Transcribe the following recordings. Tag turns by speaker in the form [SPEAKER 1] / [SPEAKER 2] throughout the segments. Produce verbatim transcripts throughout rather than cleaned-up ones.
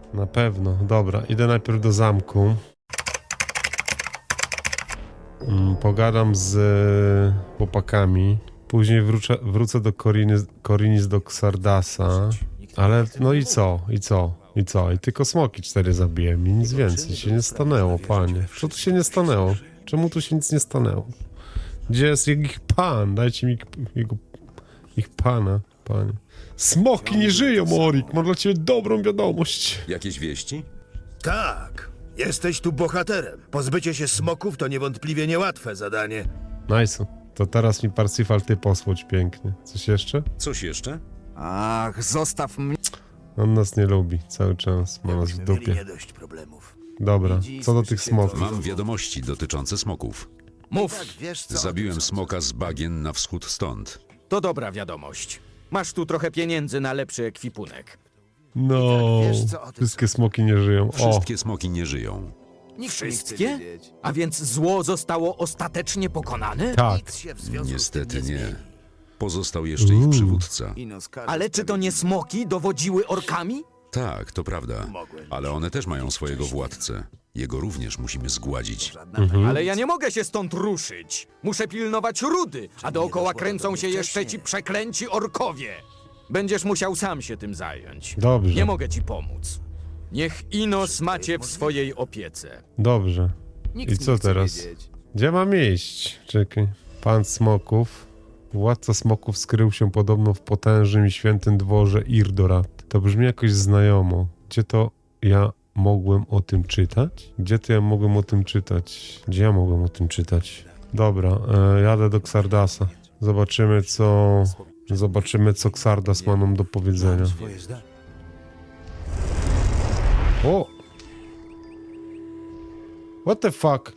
[SPEAKER 1] Na pewno. Dobra, idę najpierw do zamku. Mm, pogadam z e, chłopakami. Później wrócę, wrócę do Korinis, Korinis do Xardasa. Ale no i co? I co? I co? I tylko smoki cztery zabiłem i nic więcej się nie stanęło, panie. Co tu się nie stanęło? Czemu tu się nic nie stanęło? Gdzie jest ich pan? Dajcie mi jego, ich pana, panie. Smoki nie żyją, Orik. Mam dla ciebie dobrą wiadomość.
[SPEAKER 2] Jakieś wieści?
[SPEAKER 3] Tak, jesteś tu bohaterem. Pozbycie się smoków to niewątpliwie niełatwe zadanie.
[SPEAKER 1] Nice. To teraz mi Parsifal ty posłodź pięknie. Coś jeszcze?
[SPEAKER 2] Coś jeszcze?
[SPEAKER 4] Ach, zostaw mnie.
[SPEAKER 1] On nas nie lubi cały czas. Ma nas w
[SPEAKER 3] Myśmy mieli
[SPEAKER 1] dupie.
[SPEAKER 3] nie dość problemów.
[SPEAKER 1] Dobra, co do tych smoków.
[SPEAKER 2] Mam wiadomości dotyczące smoków.
[SPEAKER 4] Mów,
[SPEAKER 3] Wiesz co?
[SPEAKER 2] Zabiłem smoka z bagien na wschód stąd.
[SPEAKER 4] to dobra wiadomość. Masz tu trochę pieniędzy na lepszy ekwipunek.
[SPEAKER 1] No,
[SPEAKER 3] wiesz, co o tym
[SPEAKER 1] wszystkie smoki nie żyją. O,
[SPEAKER 2] Wszystkie smoki nie żyją.
[SPEAKER 4] Wszystkie? A więc zło zostało ostatecznie pokonane?
[SPEAKER 1] tak.
[SPEAKER 3] Nic się w związku
[SPEAKER 2] Niestety
[SPEAKER 3] z tym nie.
[SPEAKER 2] nie.
[SPEAKER 3] zmieni.
[SPEAKER 2] Pozostał jeszcze ich przywódca.
[SPEAKER 3] Ino skaże
[SPEAKER 4] Ale czy to nie smoki dowodziły orkami?
[SPEAKER 2] Tak, to prawda.
[SPEAKER 3] Mogłem.
[SPEAKER 2] Ale one też mają swojego władcę. Jego również musimy zgładzić.
[SPEAKER 4] Ale ja nie mogę się stąd ruszyć. Muszę pilnować rudy, a dookoła kręcą się jeszcze ci przeklęci orkowie. Będziesz musiał sam się tym zająć.
[SPEAKER 1] Dobrze.
[SPEAKER 4] Nie mogę ci pomóc. Niech Inos macie w swojej opiece.
[SPEAKER 1] Dobrze. I co teraz? Gdzie mam iść? Czekaj. Pan smoków. Władca smoków skrył się podobno w potężnym i świętym dworze Irdorat. To brzmi jakoś znajomo. Gdzie to ja mogłem o tym czytać? Gdzie to ja mogłem o tym czytać? Gdzie ja mogłem o tym czytać? Dobra, e, jadę do Xardasa. Zobaczymy co... Zobaczymy co Xardas ma nam do powiedzenia. O! What the fuck?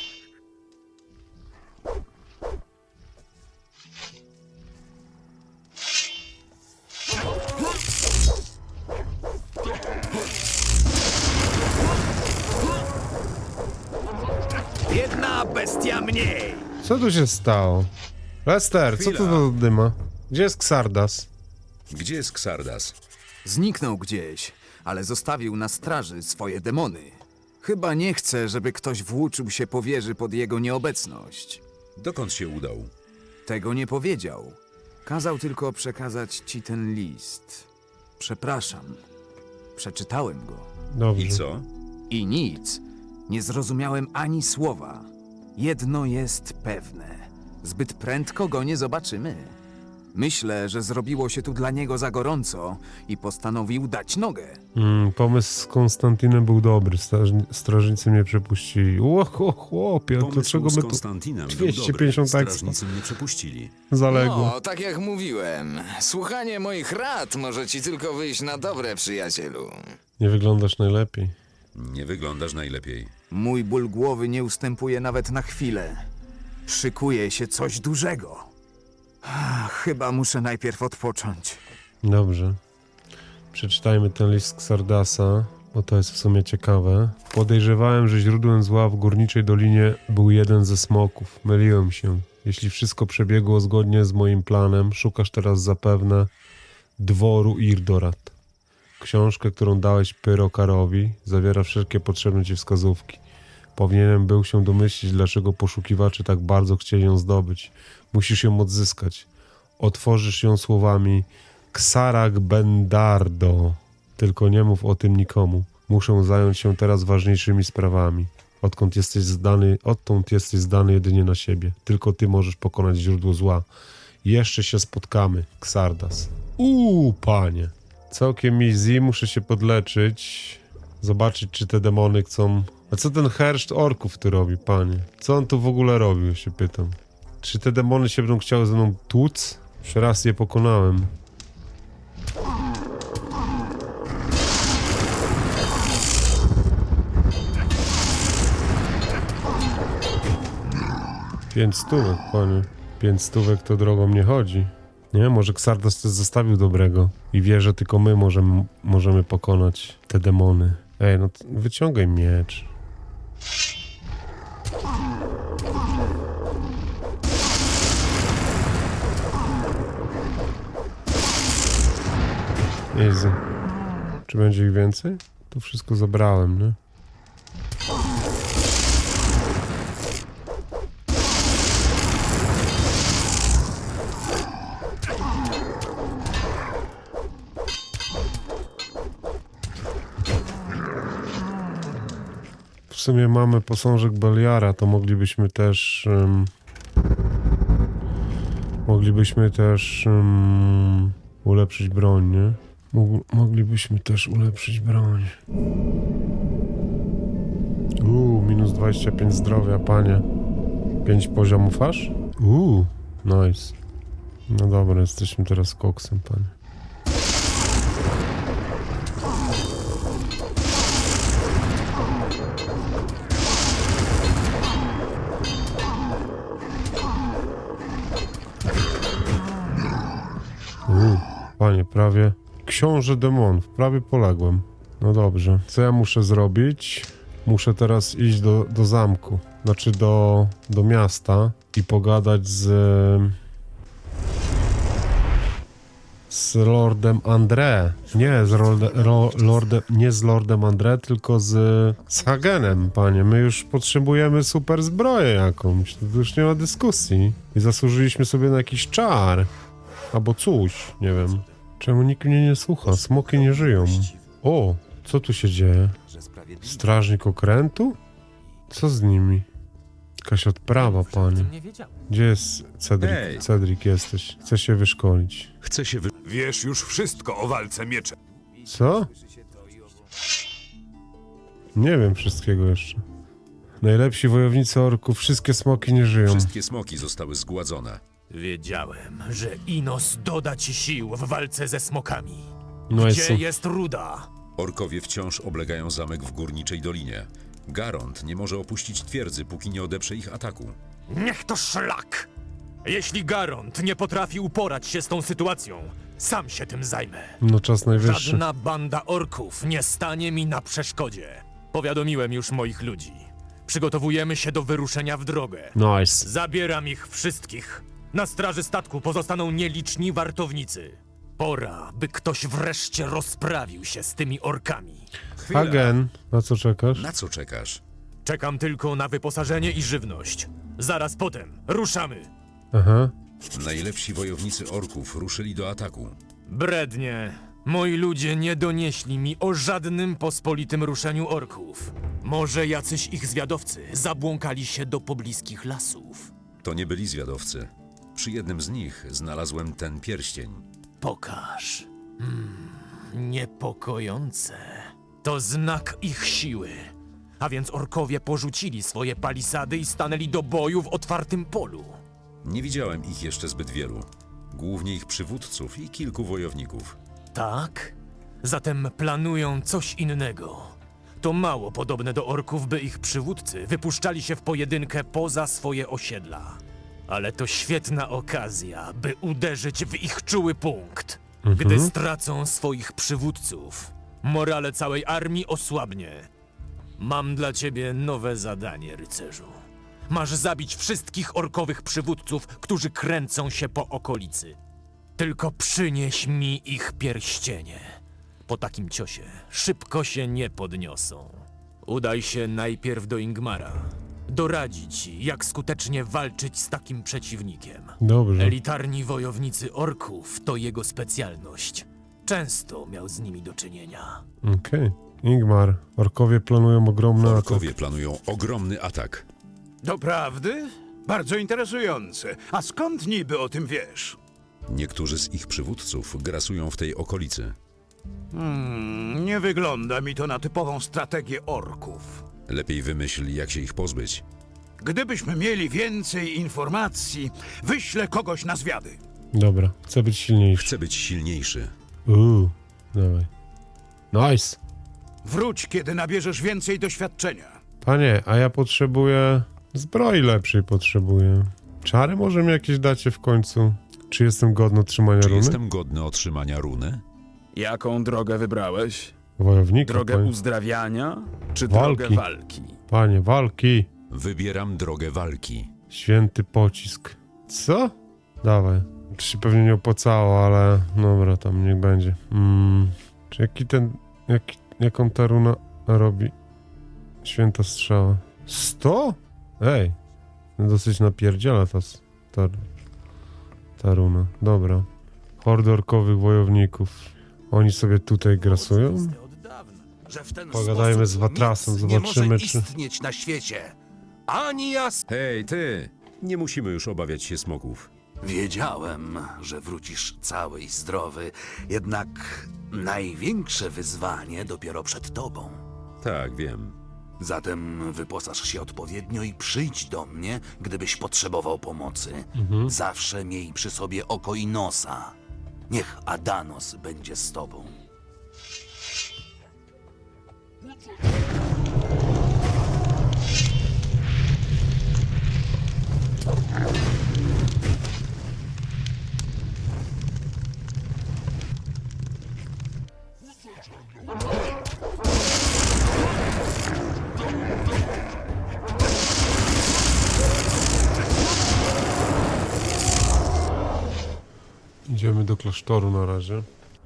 [SPEAKER 3] Jedna bestia mniej.
[SPEAKER 1] Co tu się stało? Lester, co to
[SPEAKER 2] Chwila.
[SPEAKER 1] za dyma? Gdzie jest Xardas?
[SPEAKER 2] Gdzie jest Xardas?
[SPEAKER 5] Zniknął gdzieś, ale zostawił na straży swoje demony. Chyba nie chce, żeby ktoś włóczył się po wieży pod jego nieobecność.
[SPEAKER 2] Dokąd się udał?
[SPEAKER 5] Tego nie powiedział. Kazał tylko przekazać ci ten list. Przepraszam. Przeczytałem go.
[SPEAKER 1] Dobrze.
[SPEAKER 2] I co?
[SPEAKER 5] I nic. Nie zrozumiałem ani słowa. Jedno jest pewne. Zbyt prędko go nie zobaczymy. Myślę, że zrobiło się tu dla niego za gorąco i postanowił dać nogę.
[SPEAKER 1] Mm, pomysł z Konstantinem był dobry. Strażni strażnicy mnie przepuścili. Ło, cho, chłopie,
[SPEAKER 2] Pomysł
[SPEAKER 1] dlaczego
[SPEAKER 2] z
[SPEAKER 1] my tu
[SPEAKER 2] Konstantinem był
[SPEAKER 1] dwieście
[SPEAKER 2] dobry.
[SPEAKER 1] pięćdziesiąt ekstra
[SPEAKER 2] Strażnicy mnie przepuścili.
[SPEAKER 1] zaległo?
[SPEAKER 6] No, tak jak mówiłem, słuchanie moich rad może ci tylko wyjść na dobre, przyjacielu.
[SPEAKER 1] Nie wyglądasz najlepiej.
[SPEAKER 2] Nie wyglądasz najlepiej.
[SPEAKER 5] Mój ból głowy nie ustępuje nawet na chwilę. Szykuje się coś dużego. Ah, Chyba muszę najpierw odpocząć.
[SPEAKER 1] Dobrze. Przeczytajmy ten list Xardasa, bo to jest w sumie ciekawe. Podejrzewałem, że źródłem zła w Górniczej Dolinie był jeden ze smoków. Myliłem się. Jeśli wszystko przebiegło zgodnie z moim planem, szukasz teraz zapewne dworu Irdorat. Książkę, którą dałeś Pyrokarowi, zawiera wszelkie potrzebne ci wskazówki. Powinienem był się domyślić, dlaczego poszukiwacze tak bardzo chcieli ją zdobyć. Musisz ją odzyskać. Otworzysz ją słowami Xarag Bendardo. Tylko nie mów o tym nikomu. Muszę zająć się teraz ważniejszymi sprawami. Odkąd jesteś zdany, odtąd jesteś zdany jedynie na siebie. Tylko ty możesz pokonać źródło zła. Jeszcze się spotkamy, Xardas. Uuu, panie. Całkiem easy, muszę się podleczyć. Zobaczyć, czy te demony chcą... A co ten herszt orków tu robi, panie? Co on tu w ogóle robił, się pytam. Czy te demony się będą chciały ze mną tłuc? Już raz je pokonałem. Pięć stówek, panie. Pięć stówek to drogą nie chodzi. Nie, może Xardas coś zostawił dobrego i wie, że tylko my możemy, możemy pokonać te demony. Ej, no wyciągaj miecz. Easy. Czy będzie ich więcej? to wszystko zabrałem, nie? W sumie mamy posążek Beliara, to moglibyśmy też... Um, moglibyśmy też um, ulepszyć broń, nie? Mógł, moglibyśmy też ulepszyć broń. Uuu, minus dwadzieścia pięć zdrowia, panie. pięć poziomów aż? Uuu, nice. No dobra, jesteśmy teraz koksem, panie. Uuu, panie, prawie... Książę demonów, prawie poległem. No dobrze, co ja muszę zrobić? Muszę teraz iść do, do zamku, znaczy do, do miasta i pogadać z... z Lordem André. Nie z Lorde, ro, Lordem, nie z Lordem André, tylko z, z Hagenem, panie. My już potrzebujemy super zbroję jakąś, to już nie ma dyskusji. I zasłużyliśmy sobie na jakiś czar. Albo coś, nie wiem. Czemu nikt mnie nie słucha? Smoki nie żyją. O, co tu się dzieje? Strażnik okrętu? Co z nimi? Jakaś odprawa, panie. Gdzie jest Cedric?
[SPEAKER 2] Hej.
[SPEAKER 1] Cedric jesteś. Chcę się wyszkolić.
[SPEAKER 2] Chcę się wy...
[SPEAKER 7] Wiesz już wszystko o walce mieczem.
[SPEAKER 1] Co? Nie wiem wszystkiego jeszcze. Najlepsi wojownicy orków, wszystkie smoki nie żyją.
[SPEAKER 2] Wszystkie smoki zostały zgładzone.
[SPEAKER 8] Wiedziałem, że Inos doda ci sił w walce ze smokami.
[SPEAKER 1] No i
[SPEAKER 8] Gdzie
[SPEAKER 1] co?
[SPEAKER 8] jest ruda?
[SPEAKER 2] Orkowie wciąż oblegają zamek w Górniczej Dolinie. Garont nie może opuścić twierdzy, póki nie odeprze ich ataku.
[SPEAKER 8] Niech to szlak! Jeśli Garont nie potrafi uporać się z tą sytuacją, sam się tym zajmę.
[SPEAKER 1] No czas najwyższy.
[SPEAKER 8] Żadna banda orków nie stanie mi na przeszkodzie. Powiadomiłem już moich ludzi. Przygotowujemy się do wyruszenia w drogę.
[SPEAKER 1] Nice.
[SPEAKER 8] Zabieram ich wszystkich. Na straży statku pozostaną nieliczni wartownicy. Pora, by ktoś wreszcie rozprawił się z tymi orkami.
[SPEAKER 1] Hagen, na co czekasz?
[SPEAKER 2] Na co czekasz?
[SPEAKER 8] Czekam tylko na wyposażenie i żywność. Zaraz potem ruszamy.
[SPEAKER 1] Aha.
[SPEAKER 2] Najlepsi wojownicy orków ruszyli do ataku.
[SPEAKER 8] Brednie. Moi ludzie nie donieśli mi o żadnym pospolitym ruszeniu orków. Może jacyś ich zwiadowcy zabłąkali się do pobliskich lasów.
[SPEAKER 2] To nie byli zwiadowcy. Przy jednym z nich znalazłem ten pierścień.
[SPEAKER 8] Pokaż. Hmm, niepokojące. To znak ich siły. A więc orkowie porzucili swoje palisady i stanęli do boju w otwartym polu.
[SPEAKER 2] Nie widziałem ich jeszcze zbyt wielu. Głównie ich przywódców i kilku wojowników.
[SPEAKER 8] Tak? Zatem planują coś innego. To mało podobne do orków, by ich przywódcy wypuszczali się w pojedynkę poza swoje osiedla. Ale to świetna okazja, by uderzyć w ich czuły punkt. Gdy stracą swoich przywódców, morale całej armii osłabnie. Mam dla ciebie nowe zadanie, rycerzu. Masz zabić wszystkich orkowych przywódców, którzy kręcą się po okolicy. Tylko przynieś mi ich pierścienie. Po takim ciosie szybko się nie podniosą. Udaj się najpierw do Ingmara. Doradzi ci, jak skutecznie walczyć z takim przeciwnikiem.
[SPEAKER 1] Dobrze.
[SPEAKER 8] Elitarni wojownicy orków to jego specjalność. Często miał z nimi do czynienia.
[SPEAKER 1] Okej. Ingmar, orkowie planują ogromny atak.
[SPEAKER 2] Orkowie planują ogromny atak.
[SPEAKER 7] Doprawdy? Bardzo interesujące. A skąd niby o tym wiesz?
[SPEAKER 2] Niektórzy z ich przywódców grasują w tej okolicy.
[SPEAKER 7] Hmm, nie wygląda mi to na typową strategię orków.
[SPEAKER 2] Lepiej wymyśl, jak się ich pozbyć.
[SPEAKER 7] Gdybyśmy mieli więcej informacji, wyślę kogoś na zwiady.
[SPEAKER 1] Dobra, chcę być silniejszy.
[SPEAKER 2] Chcę być silniejszy.
[SPEAKER 1] Uuu, dawaj. Nice.
[SPEAKER 7] Wróć, kiedy nabierzesz więcej doświadczenia.
[SPEAKER 1] Panie, a ja potrzebuję... Zbroi lepszej potrzebuję. Czary może mi jakieś dacie w końcu? Czy jestem godny otrzymania
[SPEAKER 2] Czy
[SPEAKER 1] runy?
[SPEAKER 2] jestem godny otrzymania runy?
[SPEAKER 9] Jaką drogę wybrałeś?
[SPEAKER 1] Wojownika,
[SPEAKER 9] Drogę
[SPEAKER 1] panie.
[SPEAKER 9] uzdrawiania czy
[SPEAKER 1] Walki.
[SPEAKER 9] drogę walki?
[SPEAKER 1] Panie, walki.
[SPEAKER 2] Wybieram drogę walki.
[SPEAKER 1] Święty pocisk. Co? Dawaj. To się pewnie nie opłacało, ale dobra, tam niech będzie. Mm, czy jaki ten... Jaki... jaką ta runa robi? Święta strzała. sto? Ej, dosyć napierdziela ta, s- ta, ta runa. Dobra. Hordy orkowych wojowników. Oni sobie tutaj grasują?
[SPEAKER 10] Że w ten
[SPEAKER 1] Pogadajmy z
[SPEAKER 10] sposób
[SPEAKER 1] Watrasem,
[SPEAKER 10] nic
[SPEAKER 1] zobaczymy,
[SPEAKER 10] nie może
[SPEAKER 1] czy-
[SPEAKER 10] istnieć na świecie. Ani jas...
[SPEAKER 2] Hej, ty! Nie musimy już obawiać się smoków.
[SPEAKER 10] Wiedziałem, że wrócisz cały i zdrowy, jednak największe wyzwanie dopiero przed tobą.
[SPEAKER 2] Tak, wiem.
[SPEAKER 10] Zatem wyposaż się odpowiednio i przyjdź do mnie, gdybyś potrzebował pomocy. Zawsze miej przy sobie oko i nosa. Niech Adanos będzie z tobą.
[SPEAKER 1] Idziemy do klasztoru na razie.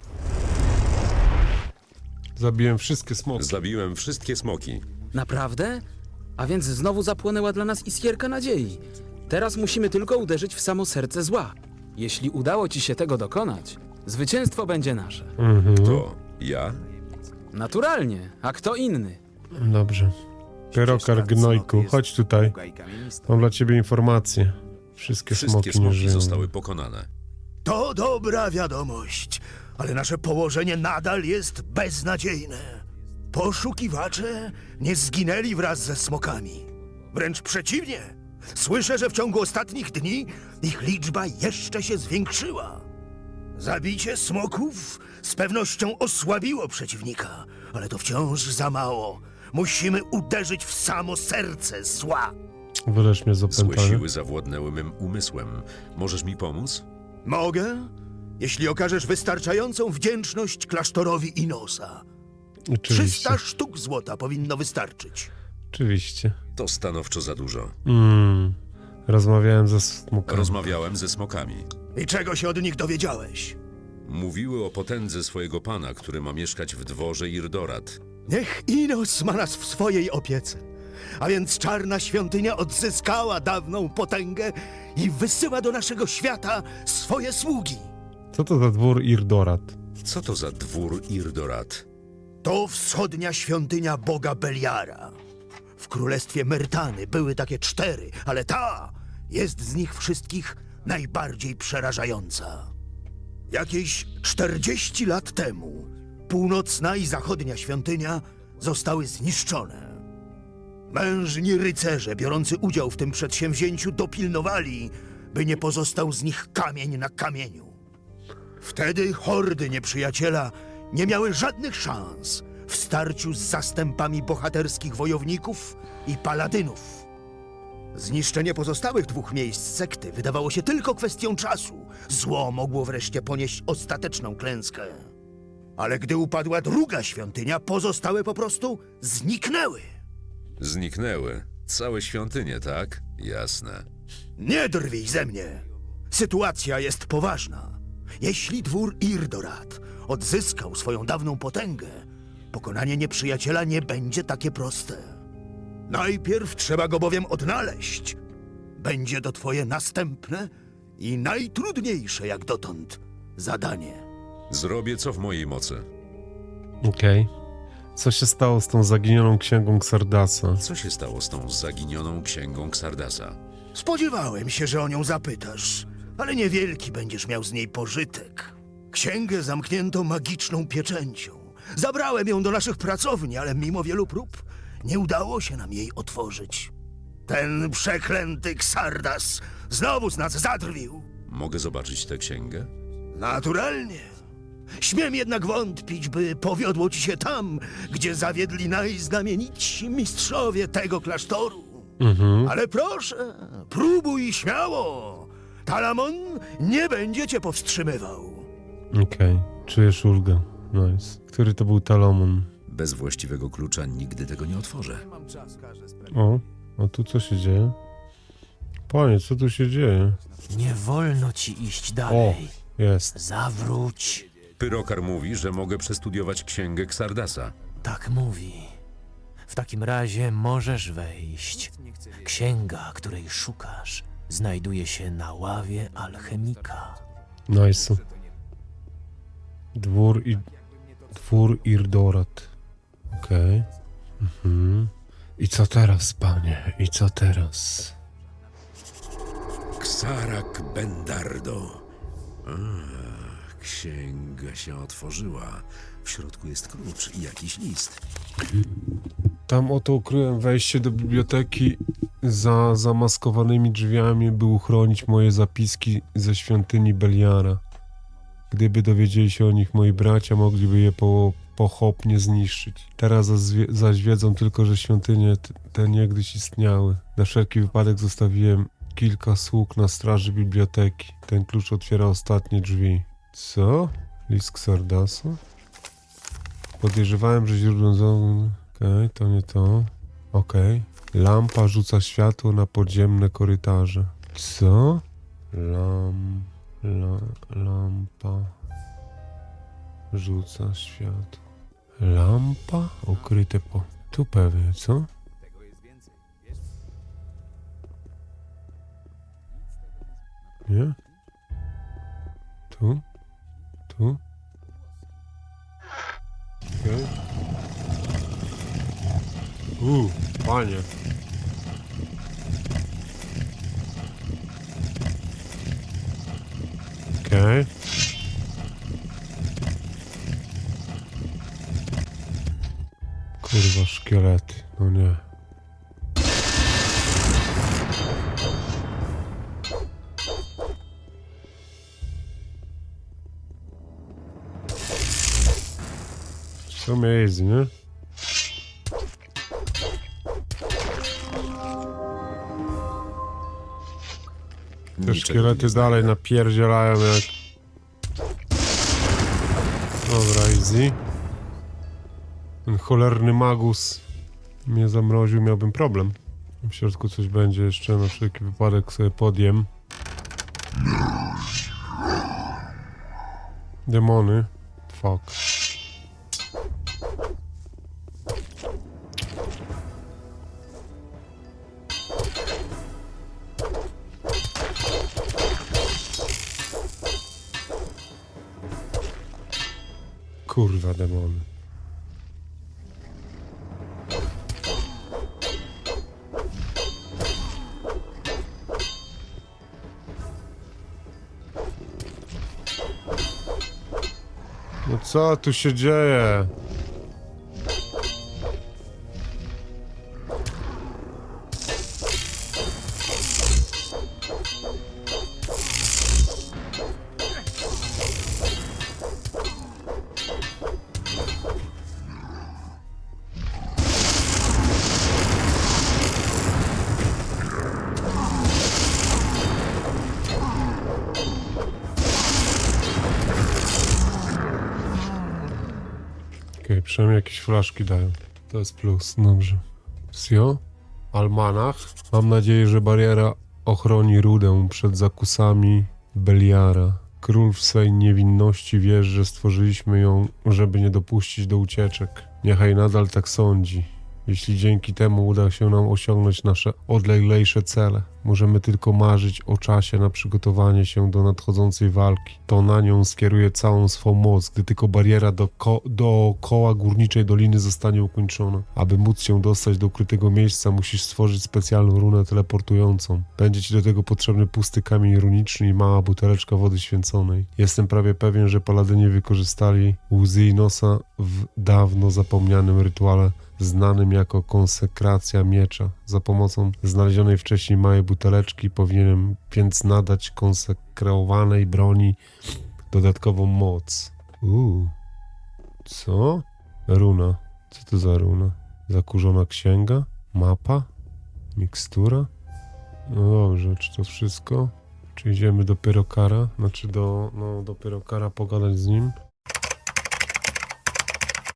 [SPEAKER 1] Zabiłem wszystkie smoki.
[SPEAKER 2] Zabiłem wszystkie smoki.
[SPEAKER 11] Naprawdę? A więc znowu zapłonęła dla nas iskierka nadziei. Teraz musimy tylko uderzyć w samo serce zła. Jeśli udało ci się tego dokonać, zwycięstwo będzie nasze.
[SPEAKER 1] Mhm.
[SPEAKER 2] To ja?
[SPEAKER 11] Naturalnie, a kto inny?
[SPEAKER 1] Dobrze. Pyrokar gnojku, chodź tutaj. Mam dla ciebie informację. Wszystkie,
[SPEAKER 2] Wszystkie
[SPEAKER 1] smoki nie
[SPEAKER 2] smoki
[SPEAKER 1] żyją.
[SPEAKER 2] zostały pokonane.
[SPEAKER 3] To dobra wiadomość, ale nasze położenie nadal jest beznadziejne. Poszukiwacze nie zginęli wraz ze smokami. Wręcz przeciwnie. Słyszę, że w ciągu ostatnich dni ich liczba jeszcze się zwiększyła. Zabicie smoków z pewnością osłabiło przeciwnika, ale to wciąż za mało. Musimy uderzyć w samo serce zła.
[SPEAKER 1] Wylecz mnie z
[SPEAKER 2] Złe
[SPEAKER 1] opętania.
[SPEAKER 2] siły zawładnęły mym umysłem. Możesz mi pomóc?
[SPEAKER 3] Mogę? Jeśli okażesz wystarczającą wdzięczność klasztorowi Inosa.
[SPEAKER 1] Oczywiście.
[SPEAKER 3] trzysta sztuk złota powinno wystarczyć.
[SPEAKER 1] Oczywiście.
[SPEAKER 2] To stanowczo za dużo.
[SPEAKER 1] Mm. Rozmawiałem ze smokami.
[SPEAKER 2] Rozmawiałem ze smokami.
[SPEAKER 3] I czego się od nich dowiedziałeś?
[SPEAKER 2] Mówiły o potędze swojego pana, który ma mieszkać w dworze Irdorat.
[SPEAKER 3] Niech Inos ma nas w swojej opiece. A więc czarna świątynia odzyskała dawną potęgę i wysyła do naszego świata swoje sługi.
[SPEAKER 1] Co to za dwór Irdorat?
[SPEAKER 2] Co to za dwór Irdorat?
[SPEAKER 3] To wschodnia świątynia boga Beliara. W królestwie Myrtany były takie cztery, ale ta jest z nich wszystkich najbardziej przerażająca. Jakieś czterdzieści lat temu północna i zachodnia świątynia zostały zniszczone. Mężni rycerze biorący udział w tym przedsięwzięciu dopilnowali, by nie pozostał z nich kamień na kamieniu. Wtedy hordy nieprzyjaciela nie miały żadnych szans w starciu z zastępami bohaterskich wojowników i paladynów. Zniszczenie pozostałych dwóch miejsc sekty wydawało się tylko kwestią czasu. Zło mogło wreszcie ponieść ostateczną klęskę. Ale gdy upadła druga świątynia, pozostałe po prostu zniknęły.
[SPEAKER 2] Zniknęły. Całe świątynie, tak? Jasne.
[SPEAKER 3] Nie drwij ze mnie. Sytuacja jest poważna. Jeśli dwór Irdorat odzyskał swoją dawną potęgę, pokonanie nieprzyjaciela nie będzie takie proste. Najpierw trzeba go bowiem odnaleźć. Będzie to twoje następne i najtrudniejsze jak dotąd zadanie.
[SPEAKER 2] Zrobię co w mojej mocy.
[SPEAKER 1] Okej. Co się stało z tą zaginioną księgą Xardasa?
[SPEAKER 2] Co się stało z tą zaginioną księgą Xardasa?
[SPEAKER 3] Spodziewałem się, że o nią zapytasz, ale niewielki będziesz miał z niej pożytek. Księgę zamknięto magiczną pieczęcią. Zabrałem ją do naszych pracowni, ale mimo wielu prób nie udało się nam jej otworzyć. Ten przeklęty Xardas znowu z nas zadrwił.
[SPEAKER 2] Mogę zobaczyć tę księgę?
[SPEAKER 3] Naturalnie. Śmiem jednak wątpić, by powiodło ci się tam, gdzie zawiedli najznamienitsi mistrzowie tego klasztoru.
[SPEAKER 1] Mhm.
[SPEAKER 3] Ale proszę, próbuj śmiało. Talamon nie będzie cię powstrzymywał.
[SPEAKER 1] Okej. Czujesz ulgę. Nice. Który to był Talamon?
[SPEAKER 2] Bez właściwego klucza nigdy tego nie otworzę.
[SPEAKER 1] O, a tu co się dzieje? Panie, co tu się dzieje?
[SPEAKER 8] Nie wolno ci iść
[SPEAKER 1] O,
[SPEAKER 8] dalej.
[SPEAKER 1] jest.
[SPEAKER 8] Zawróć.
[SPEAKER 2] Pyrokar mówi, że mogę przestudiować księgę Xardasa.
[SPEAKER 8] tak mówi. W takim razie możesz wejść. Księga, której szukasz, znajduje się na ławie alchemika.
[SPEAKER 1] Nice. Dwór i... Dwór Irdorat. Okej. Mhm. I co teraz, panie? I co teraz?
[SPEAKER 2] Xarak Bendardo. A, księga się otworzyła. W środku jest klucz i jakiś list.
[SPEAKER 1] Tam oto ukryłem wejście do biblioteki. Za zamaskowanymi drzwiami, by uchronić moje zapiski ze świątyni Beliara. Gdyby dowiedzieli się o nich moi bracia, mogliby je po, pochopnie zniszczyć. Teraz zazwie- zaś wiedzą tylko, że świątynie t- te niegdyś istniały. Na wszelki wypadek zostawiłem kilka sług na straży biblioteki. Ten klucz otwiera ostatnie drzwi. Co? List Xardasa? Podejrzewałem, że źródłem... Okej, okay, to nie to. Okej. Okay. Lampa rzuca światło na podziemne korytarze. Co? Lam... La, lampa... Rzuca światło. Lampa? Ukryte po... Tu pewnie, co? Nie? Tu? Tu? Okej. Okay. Uuu, panie. Okej. Okay. Kurwa, szkielety. No nie. W sumie easy, nie? Te szkielety dalej napierdzielają jak... Dobra, easy. Ten cholerny magus mnie zamroził, miałbym problem. W środku coś będzie jeszcze, na wszelki wypadek sobie podjem. Demony. Fuck. Kurwa, demony. No co tu się dzieje? Okej, okay, przynajmniej jakieś flaszki dają. To jest plus, dobrze. Sio? Almanach? Mam nadzieję, że bariera ochroni Rudę przed zakusami Beliara. Król w swej niewinności wie, że stworzyliśmy ją, żeby nie dopuścić do ucieczek. Niechaj nadal tak sądzi. Jeśli dzięki temu uda się nam osiągnąć nasze odleglejsze cele, możemy tylko marzyć o czasie na przygotowanie się do nadchodzącej walki. To na nią skieruje całą swą moc, gdy tylko bariera doko dookoła górniczej doliny zostanie ukończona. Aby móc się dostać do ukrytego miejsca, musisz stworzyć specjalną runę teleportującą. Będzie ci do tego potrzebny pusty kamień runiczny i mała buteleczka wody święconej. Jestem prawie pewien, że paladyni wykorzystali łzy Inosa w dawno zapomnianym rytuale znanym jako konsekracja miecza. Za pomocą znalezionej wcześniej małej buteleczki powinienem więc nadać konsekrowanej broni dodatkową moc. Uuu. Co? Runa. Co to za runa? Zakurzona księga? Mapa? Mikstura? No dobrze, czy to wszystko? Czy idziemy do Pyrokara? Znaczy do, no, do Pyrokara pogadać z nim?